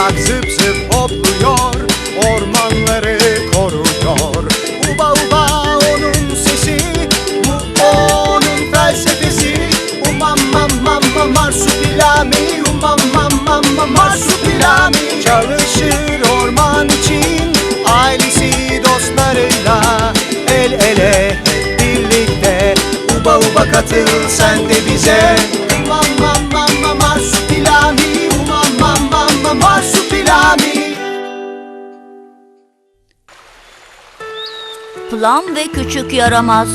bak zıp zıp hopluyor, ormanları koruyor. Uba uba onun sesi, bu onun felsefesi. Umam mam mam mam marsupilami, umam mam mam mam marsupilami. Çalışır orman için, ailesi dostlarıyla, el ele hep birlikte. Uba uba katıl sen de bize. Umam mam mam mam marsupilami, umam mam mam mam marsupilami. Plum ve küçük yaramaz.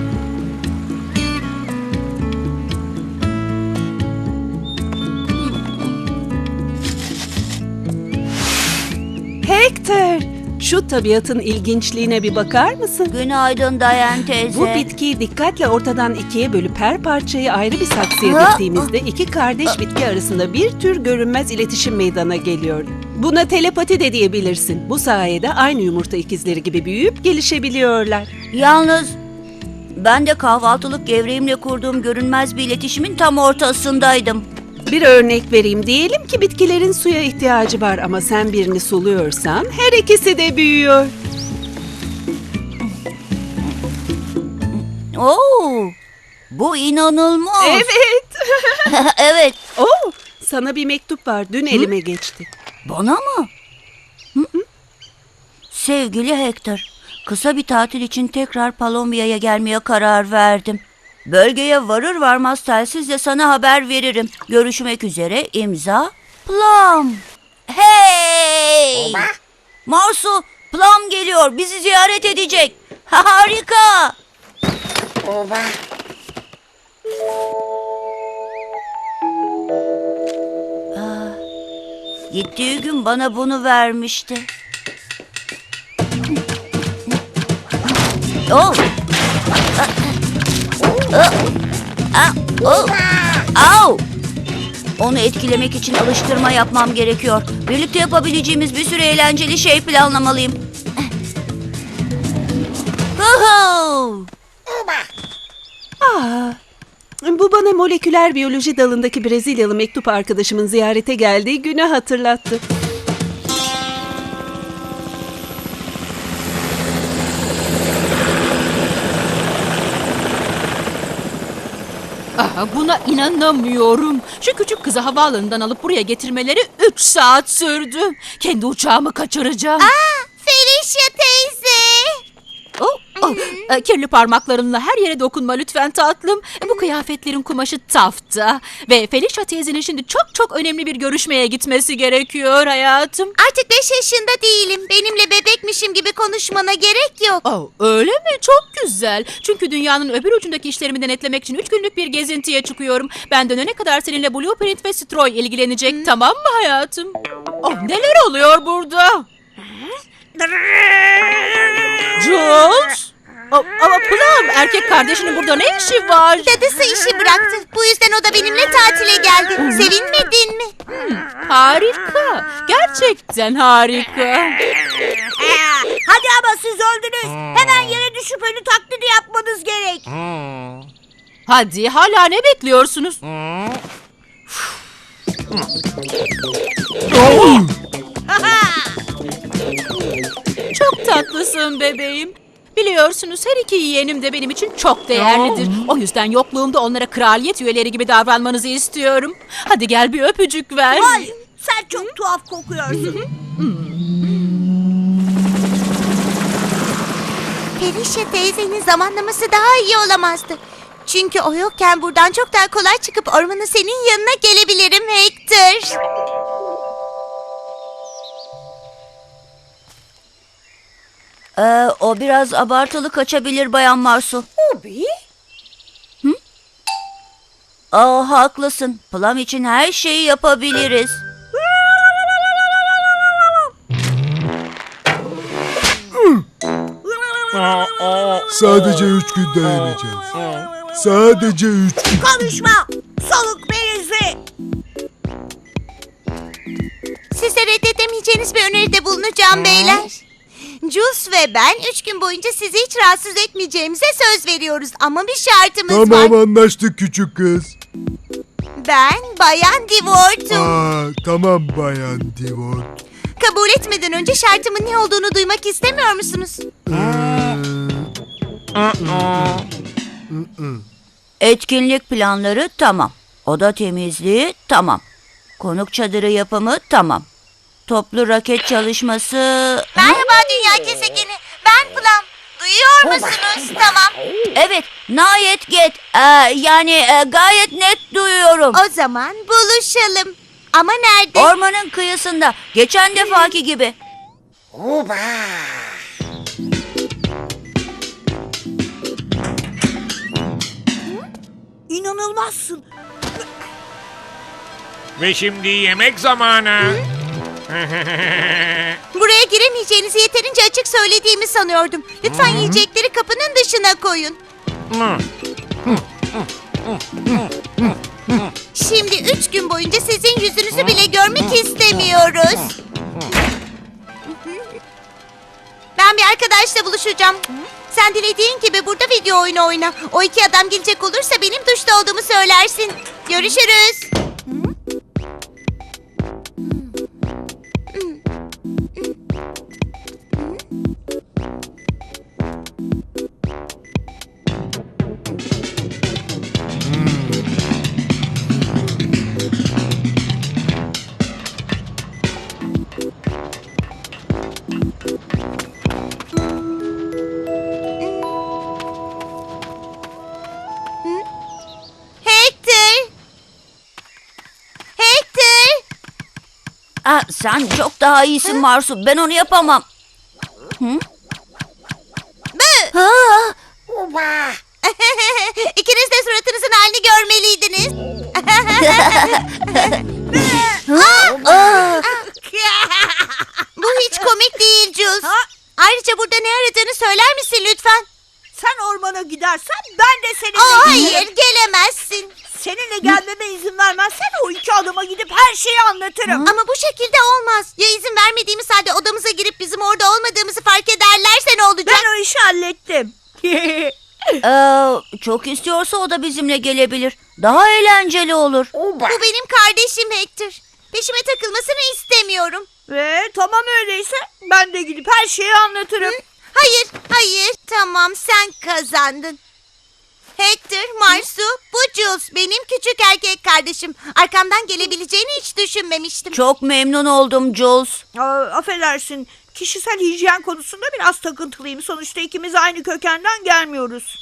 Hector, şu tabiatın ilginçliğine bir bakar mısın? Günaydın Dayan teyze. Bu bitkiyi dikkatle ortadan ikiye bölüp her parçayı ayrı bir saksıya diktiğimizde iki kardeş bitki arasında bir tür görünmez iletişim meydana geliyor. Buna telepati de diyebilirsin. Bu sayede aynı yumurta ikizleri gibi büyüyüp gelişebiliyorlar. Yalnız ben de kahvaltılık gevreğimle kurduğum görünmez bir iletişimin tam ortasındaydım. Bir örnek vereyim. Diyelim ki bitkilerin suya ihtiyacı var ama sen birini suluyorsan her ikisi de büyüyor. Oo, bu inanılmaz. Evet. Evet. Oo, sana bir mektup var. Dün elime geçti. Bana mı? Hı? Sevgili Hector, kısa bir tatil için tekrar Palombia'ya gelmeye karar verdim. Bölgeye varır varmaz telsizle sana haber veririm. Görüşmek üzere, imza Plum. Hey! Marsu, Plum geliyor. Bizi ziyaret edecek. Harika. Gittiği gün bana bunu vermişti. Oh. Au! Onu etkilemek için alıştırma yapmam gerekiyor. Birlikte yapabileceğimiz bir sürü eğlenceli şey planlamalıyım. Huhu! Bu bana moleküler biyoloji dalındaki Brezilyalı mektup arkadaşımın ziyarete geldiği günü hatırlattı. Buna inanamıyorum. Şu küçük kızı havaalanından alıp buraya getirmeleri 3 saat sürdü. Kendi uçağımı kaçıracağım. Felicia teyze. Kirli parmaklarınla her yere dokunma lütfen tatlım. Bu kıyafetlerin kumaşı tafta. Ve Felicia teyzenin şimdi çok önemli bir görüşmeye gitmesi gerekiyor hayatım. Artık 5 yaşında değilim. Benimle bebekmişim gibi konuşmana gerek yok. Öyle mi? Çok güzel. Çünkü dünyanın öbür ucundaki işlerimi denetlemek için 3 günlük bir gezintiye çıkıyorum. Ben dönene kadar seninle Blueprint ve Stroy ilgilenecek. Tamam mı hayatım? Neler oluyor burada? Jules? Ama Plum, erkek kardeşinin burada ne işi var? Dadısı işi bıraktı. Bu yüzden o da benimle tatile geldi. Sevinmedin mi? Harika. Gerçekten harika. Hadi ama siz öldünüz. Hemen yere düşüp ölü taklidi yapmanız gerek. Hadi, hala ne bekliyorsunuz? Çok tatlısın bebeğim. Biliyorsunuz her iki yeğenim de benim için çok değerlidir. O yüzden yokluğumda onlara kraliyet üyeleri gibi davranmanızı istiyorum. Hadi gel bir öpücük ver. Hayır, sen çok tuhaf kokuyorsun. Felicia teyzenin zamanlaması daha iyi olamazdı. Çünkü o yokken buradan çok daha kolay çıkıp ormanın senin yanına gelebilirim Hector. O biraz abartılı kaçabilir Bayan Marsu. Tabii. Haklısın. Plum için her şeyi yapabiliriz. Sadece 3 gün dayanacağız. Sadece 3 gün. Konuşma! Soluk berisi! Size reddedemeyeceğiniz bir öneride bulunacağım beyler. Jules ve ben 3 gün boyunca sizi hiç rahatsız etmeyeceğimize söz veriyoruz. Ama bir şartımız var. Tamam, anlaştık küçük kız. Ben Bayan Divot'um. Tamam Bayan Divot. Kabul etmeden önce şartımın ne olduğunu duymak istemiyor musunuz? Etkinlik planları tamam. Oda temizliği tamam. Konuk çadırı yapımı tamam. Toplu raket çalışması... Merhaba Dünya Gezegeni. Ben Plum. Duyuyor musunuz? Tamam. Evet, nayet get. Gayet net duyuyorum. O zaman buluşalım. Ama nerede? Ormanın kıyısında. Geçen defaki gibi. İnanılmazsın. Ve şimdi yemek zamanı. Buraya giremeyeceğinizi yeterince açık söylediğimi sanıyordum. Lütfen yiyecekleri kapının dışına koyun. Şimdi 3 gün boyunca sizin yüzünüzü bile görmek istemiyoruz. Ben bir arkadaşla buluşacağım. Sen dilediğin gibi burada video oyunu oyna. O iki adam gelecek olursa benim duşta olduğumu söylersin. Görüşürüz. Hector! Hector! Sen çok daha iyisin Marsu. Ben onu yapamam. İkiniz de suratınızın halini görmeliydiniz. Bu hiç komik değil Jules. Ayrıca burada ne aradığını söyler misin lütfen? Sen ormana gidersen ben de seninle Hayır, gelemezsin. Seninle gelmeme izin vermezsen o iki adama gidip her şeyi anlatırım. Ama bu şekilde olmaz. Ya izin vermediğimiz halde odamıza girip bizim orada olmadığımızı fark ederlerse ne olacak? Ben o işi hallettim. Çok istiyorsa o da bizimle gelebilir. Daha eğlenceli olur. Bu benim kardeşim Hector. Peşime takılmasını istemiyorum. Ve tamam öyleyse ben de gidip her şeyi anlatırım. Hayır, hayır. Tamam, sen kazandın. Hector, Marsu, bu Jules. Benim küçük erkek kardeşim. Arkamdan gelebileceğini hiç düşünmemiştim. Çok memnun oldum Jules. Affedersin. Kişisel hijyen konusunda biraz takıntılıyım. Sonuçta ikimiz aynı kökenden gelmiyoruz.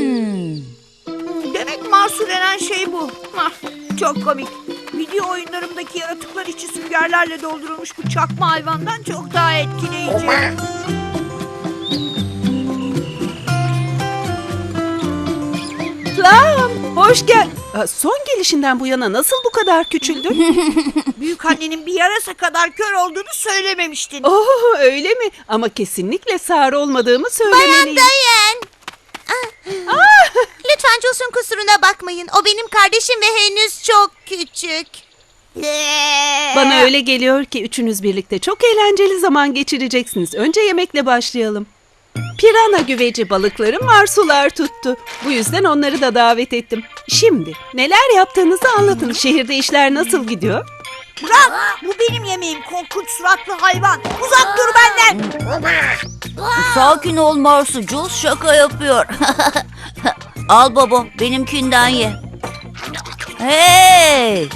Demek Marsu denen şey bu. Çok komik. Video oyunlarımdaki yaratıklar içi süngerlerle doldurulmuş bu çakma hayvandan çok daha etkileyici. Plum, hoş gel. Son gelişinden bu yana nasıl bu kadar küçüldün? Büyükannenin bir yarasa kadar kör olduğunu söylememiştin. Öyle mi? Ama kesinlikle sağır olmadığımı Bayan söylemeliyim. Dayan. Lütfen Jules'un kusuruna bakmayın. O benim kardeşim ve henüz çok küçük. Bana öyle geliyor ki üçünüz birlikte çok eğlenceli zaman geçireceksiniz. Önce yemekle başlayalım. Pirana güveci balıkları marsular tuttu. Bu yüzden onları da davet ettim. Şimdi neler yaptığınızı anlatın. Şehirde işler nasıl gidiyor? Bırak! Bu benim yemeğim korkunç suratlı hayvan. Uzak dur benden. Sakin ol Marsu. Jules şaka yapıyor. Al baba, benimkinden ye. Hey!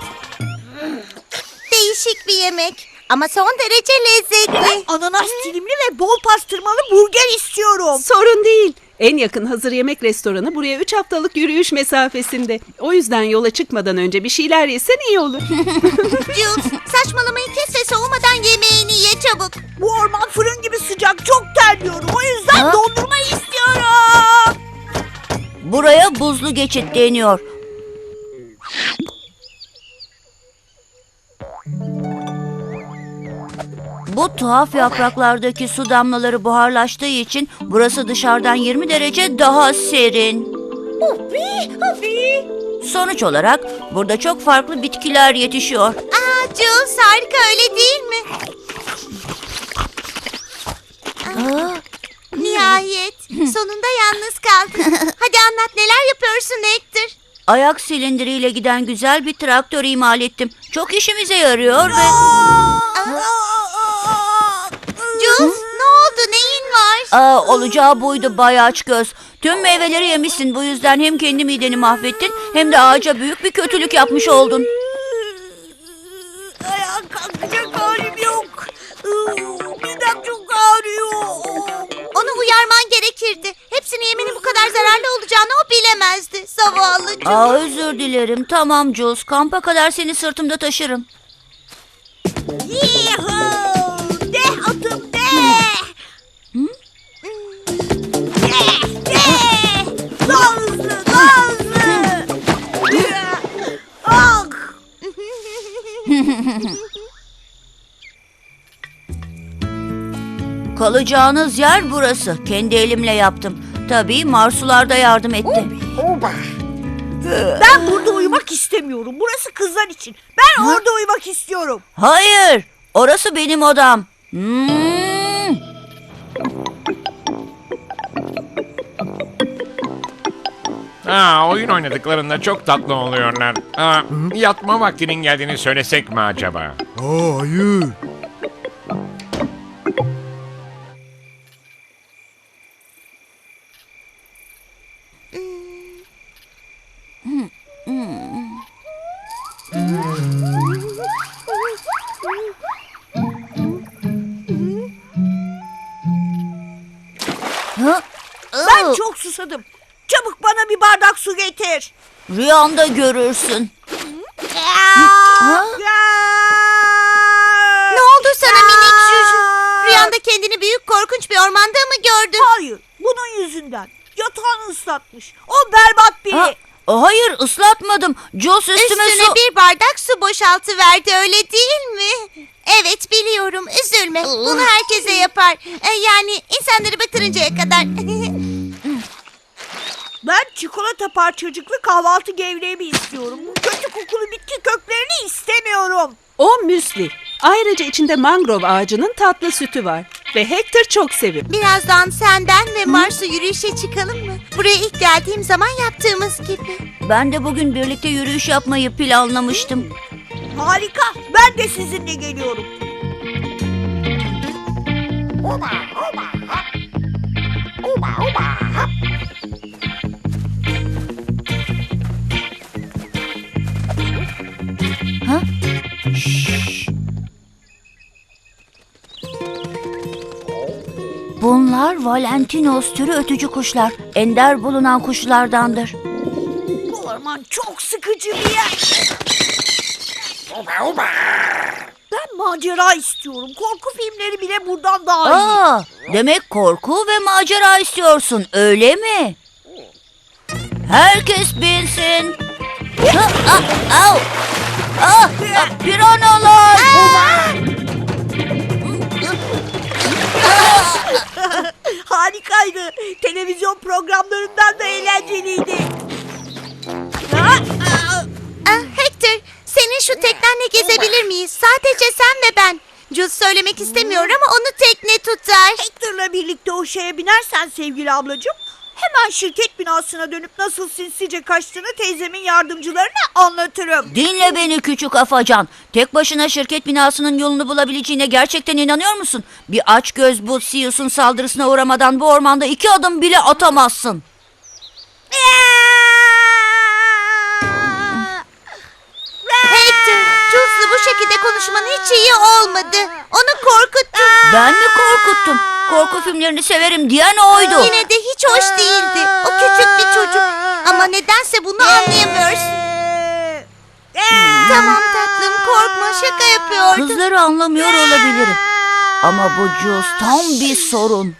Değişik bir yemek. Ama son derece lezzetli. Ananas dilimli ve bol pastırmalı burger istiyorum. Sorun değil. En yakın hazır yemek restoranı buraya 3 haftalık yürüyüş mesafesinde. O yüzden yola çıkmadan önce bir şeyler yesen iyi olur. Jules, saçmalamayı kes ve soğumadan yemeğini ye çabuk. Bu orman fırın gibi sıcak, çok terliyorum. O yüzden dondurma istiyorum. Buraya buzlu geçit deniyor. Bu tuhaf yapraklardaki su damlaları buharlaştığı için burası dışarıdan 20 derece daha serin. Sonuç olarak burada çok farklı bitkiler yetişiyor. Jules, harika öyle değil mi? Nihayet. Sonunda yalnız kaldın. Hadi anlat, neler yapıyorsun Hector? Ayak silindiriyle giden güzel bir traktör imal ettim. Çok işimize yarıyor ve... Jules, ne oldu? Neyin var? Olacağı buydu Bay Açgöz. Tüm meyveleri yemişsin. Bu yüzden hem kendi mideni mahvettin hem de ağaca büyük bir kötülük yapmış oldun. Ayağa kalkacak halim yok. Midem çok ağrıyor. Onu uyarman gerekirdi. Hepsini yemenin bu kadar zararlı olacağını o bilemezdi. Zavallı Jules. Özür dilerim. Tamam Jules. Kampa kadar seni sırtımda taşırım. Yihoo! De atım de! Daha hızlı, daha hızlı! Ah! Kalacağınız yer burası. Kendi elimle yaptım. Tabii Marsular da yardım etti. Ben burada uyumak istemiyorum. Burası kızlar için. Ben orada uyumak istiyorum. Hayır. Orası benim odam. Oyun oynadıklarında çok tatlı oluyorlar. Yatma vaktinin geldiğini söylesek mi acaba? Aa, hayır. Ben çok susadım. Çabuk bana bir bardak su getir. Rüyanda görürsün. Ne oldu sana minik Juju? Rüyanda kendini büyük korkunç bir ormanda mı gördün? Hayır, bunun yüzünden. Yatağını ıslatmış. O berbat biri. Hayır, ıslatmadım. Jules üstüme Üstüne su... bir bardak su boşaltıverdi, öyle değil mi? Evet, biliyorum, üzülme. Bunu herkese yapar. Yani insanları batırıncaya kadar. Ben çikolata parçacıklı kahvaltı gevreğimi istiyorum. Bu kötü kokulu bitki köklerini istemiyorum. O müsli. Ayrıca içinde mangrove ağacının tatlı sütü var. Ve Hector çok seviyor. Birazdan senden ve Mars'u yürüyüşe çıkalım mı? Buraya ilk geldiğim zaman yaptığımız gibi. Ben de bugün birlikte yürüyüş yapmayı planlamıştım. Harika, ben de sizinle geliyorum. Bunlar Valentinos türü ötücü kuşlar. Ender bulunan kuşlardandır. Bu orman çok sıkıcı bir yer. Ben macera istiyorum. Korku filmleri bile buradan daha iyi. Demek korku ve macera istiyorsun, öyle mi? Herkes binsin. Piranalar! Harikaydı. Televizyon programlarından da eğlenceliydi. Hector, senin şu teknenle gezebilir miyiz? Sadece sen ve ben. Jules söylemek istemiyor ama onu tekne tutar. Hector'la birlikte o şeye binersen sevgili ablacığım, hemen şirket binasına dönüp nasıl sinsice kaçtığını teyzemin yardımcılarına anlatırım. Dinle beni küçük afacan. Tek başına şirket binasının yolunu bulabileceğine gerçekten inanıyor musun? Bir açgöz bu Sirius'un saldırısına uğramadan bu ormanda 2 adım bile atamazsın. Hector, Jules'la bu şekilde konuşman hiç iyi olmadı. Onu korkuttun. Ben mi korkuttum? Korku filmlerini severim diyen oydu. Yine de hiç hoş değildi. O küçük bir çocuk. Ama nedense bunu anlayamıyorsun. Tamam tatlım, korkma, şaka yapıyordum. Kızları anlamıyor olabilirim. Ama bu Jules tam bir sorun.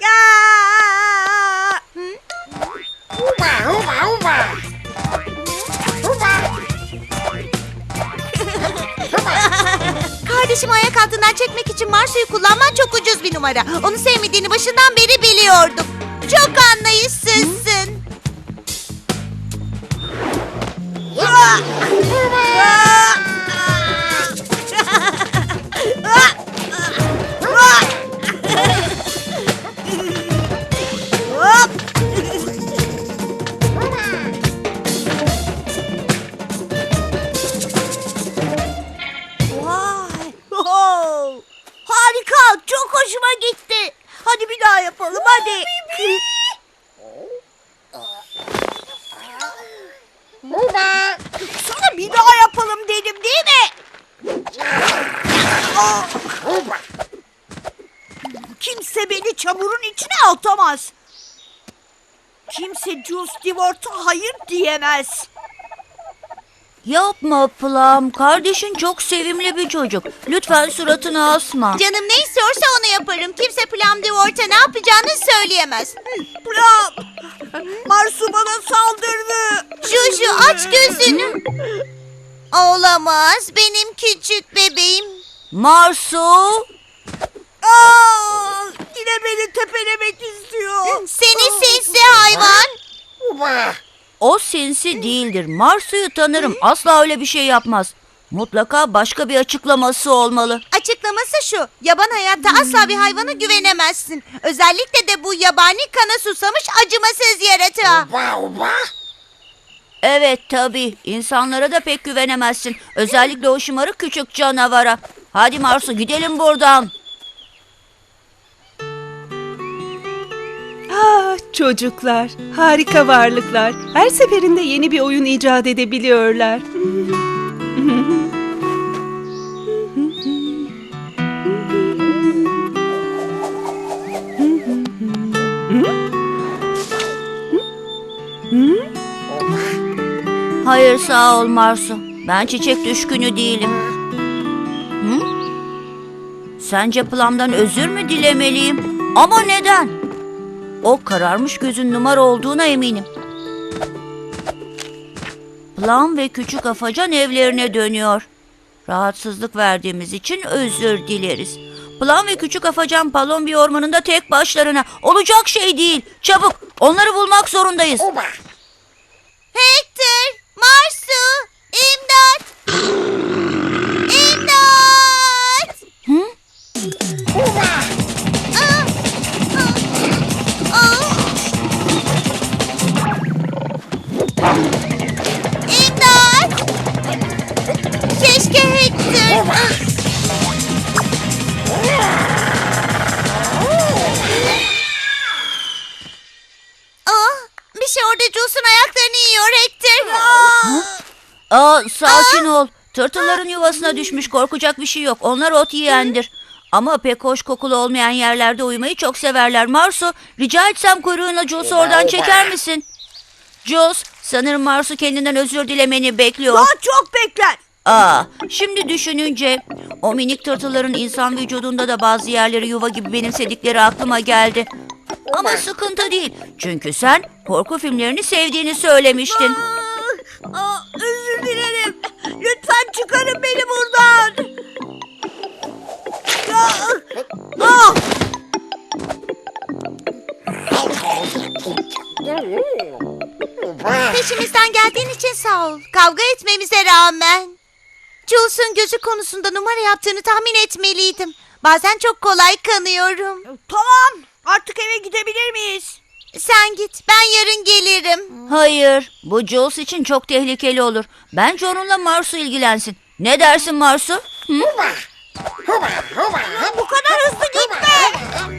Kardeşim ayak altından çekmek için Marsu'yu kullanman çok ucuz bir numara. Onu sevmediğini başından beri biliyordum. Çok anlayışsızsın. Harika. Çok hoşuma gitti. Hadi bir daha yapalım hadi. Sana bir daha yapalım dedim değil mi? Kimse beni çamurun içine atamaz. Kimse Jules Stewart'a hayır diyemez. Yapma Plum. Kardeşin çok sevimli bir çocuk. Lütfen suratını asma. Canım ne istiyorsa onu yaparım. Kimse Plum Dewart'a ne yapacağını söyleyemez. Plum! Marsu bana saldırdı. Juju aç gözünü. Olamaz benim küçük bebeğim. Marsu! Aa, yine beni tepelemek istiyor. Seni sinsi hayvan. O sinsi değildir. Marsu'yu tanırım. Asla öyle bir şey yapmaz. Mutlaka başka bir açıklaması olmalı. Açıklaması şu. Yaban hayatta asla bir hayvana güvenemezsin. Özellikle de bu yabani kana susamış acımasız yaratığa. Evet tabii. İnsanlara da pek güvenemezsin. Özellikle o şımarık küçük canavara. Hadi Marsu gidelim buradan. Ah çocuklar, harika varlıklar. Her seferinde yeni bir oyun icat edebiliyorlar. Hayır sağ ol Marsu. Ben çiçek düşkünü değilim. Hı? Sence Plum'dan özür mü dilemeliyim? Ama neden? O kararmış gözün numara olduğuna eminim. Plum ve küçük afacan evlerine dönüyor. Rahatsızlık verdiğimiz için özür dileriz. Plum ve küçük afacan Palombi ormanında tek başlarına. Olacak şey değil. Çabuk onları bulmak zorundayız. Hector, Marsu, imdat. İmdat. Hı? İmdat. Keşke Hector. Bir şey orada Jules'un ayaklarını yiyor Hector. Sakin ol. Tırtılların yuvasına düşmüş, korkacak bir şey yok. Onlar ot yiyendir. Ama pek hoş kokulu olmayan yerlerde uyumayı çok severler. Marsu, rica etsem kuyruğuna Jules'u oradan çeker misin? Jules, sanırım Marsu kendinden özür dilemeni bekliyor. Daha çok bekler. Şimdi düşününce o minik tırtılların insan vücudunda da bazı yerleri yuva gibi benimsedikleri aklıma geldi. Ama sıkıntı değil. Çünkü sen korku filmlerini sevdiğini söylemiştin. Özür dilerim. Lütfen çıkarın beni buradan. Peşimizden geldiğin için sağ ol. Kavga etmemize rağmen. Jules'un gözü konusunda numara yaptığını tahmin etmeliydim. Bazen çok kolay kanıyorum. Tamam. Artık eve gidebilir miyiz? Sen git, ben yarın gelirim. Hayır, bu Jules için çok tehlikeli olur. Bence onunla Marsu ilgilensin. Ne dersin Marsu? Hı? Bu kadar hızlı gitme.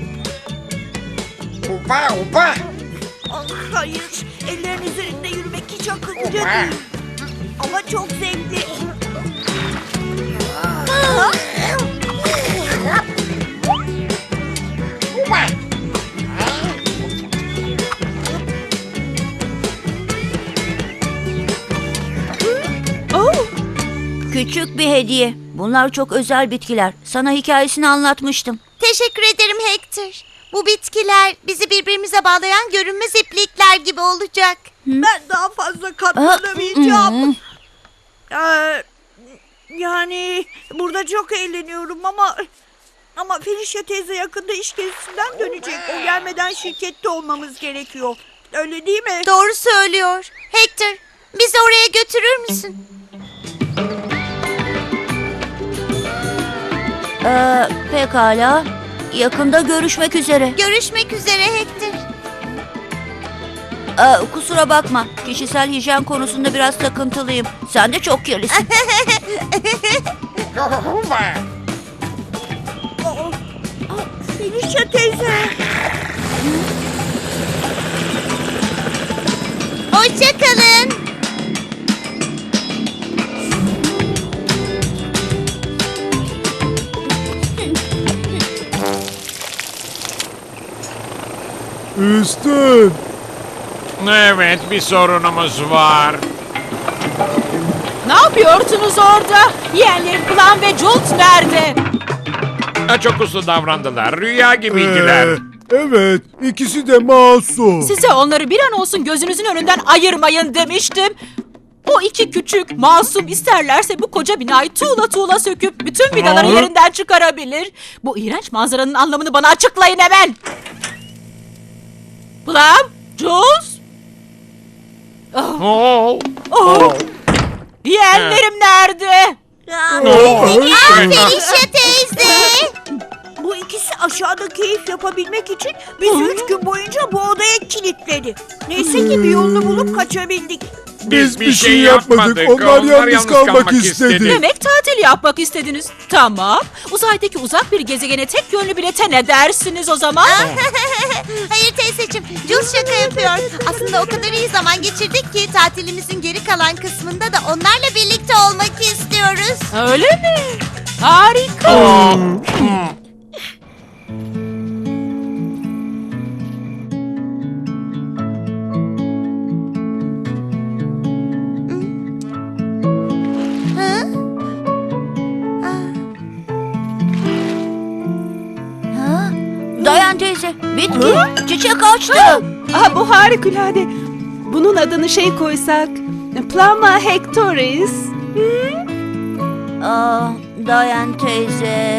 Hayır. Ellerin üzerinde yürümek hiç akıllıca değil. Ama çok zevkli. Küçük bir hediye. Bunlar çok özel bitkiler. Sana hikayesini anlatmıştım. Teşekkür ederim Hector. Bu bitkiler bizi birbirimize bağlayan görünmez iplikler gibi olacak. Ben daha fazla katlanamayacağım. Yani burada çok eğleniyorum ama Felicia teyze yakında iş gezisinden dönecek. O gelmeden şirkette olmamız gerekiyor. Öyle değil mi? Doğru söylüyor. Hector, bizi oraya götürür müsün? Pekala. Yakında görüşmek üzere. Görüşmek üzere Hector. Kusura bakma. Kişisel hijyen konusunda biraz takıntılıyım. Sen de çok kirlisin. Aa, Felicia teyze. Hoşça kalın. Üstün. Evet, bir sorunumuz var. Ne yapıyorsunuz orada? Yeğenlerim Plan ve Jules nerede? Çok uslu davrandılar. Rüya gibiydiler. Evet, ikisi de masum. Size onları bir an olsun gözünüzün önünden ayırmayın demiştim. O iki küçük masum isterlerse bu koca binayı tuğla tuğla söküp bütün vidaları yerinden çıkarabilir. Bu iğrenç manzaranın anlamını bana açıklayın hemen. Plum, Jules. Oo. Yeğenlerim nerede? Felicia teyze. Bu ikisi aşağıda keyif yapabilmek için bizi 3 gün boyunca bu odaya kilitledi. Neyse ki bir yolunu bulup kaçabildik. Biz bir şey yapmadık. Onlar yalnız kalmak istedi. Demek tatil yapmak istediniz. Tamam. Uzaydaki uzak bir gezegene tek yönlü bilete ne dersiniz o zaman? Hayır teyzeciğim, Jules şaka yapıyor. Aslında o kadar iyi zaman geçirdik ki tatilimizin geri kalan kısmında da onlarla birlikte olmak istiyoruz. Öyle mi? Harika. Dayan teyze. Bitki. Çiçek açtı. Aha, bu harikulade. Bunun adını şey koysak. Plama hectoris. Dayan teyze.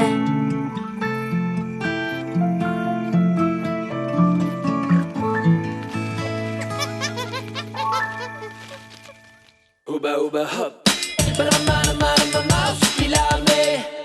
Uba uba hop. But I'm mouse, ilame.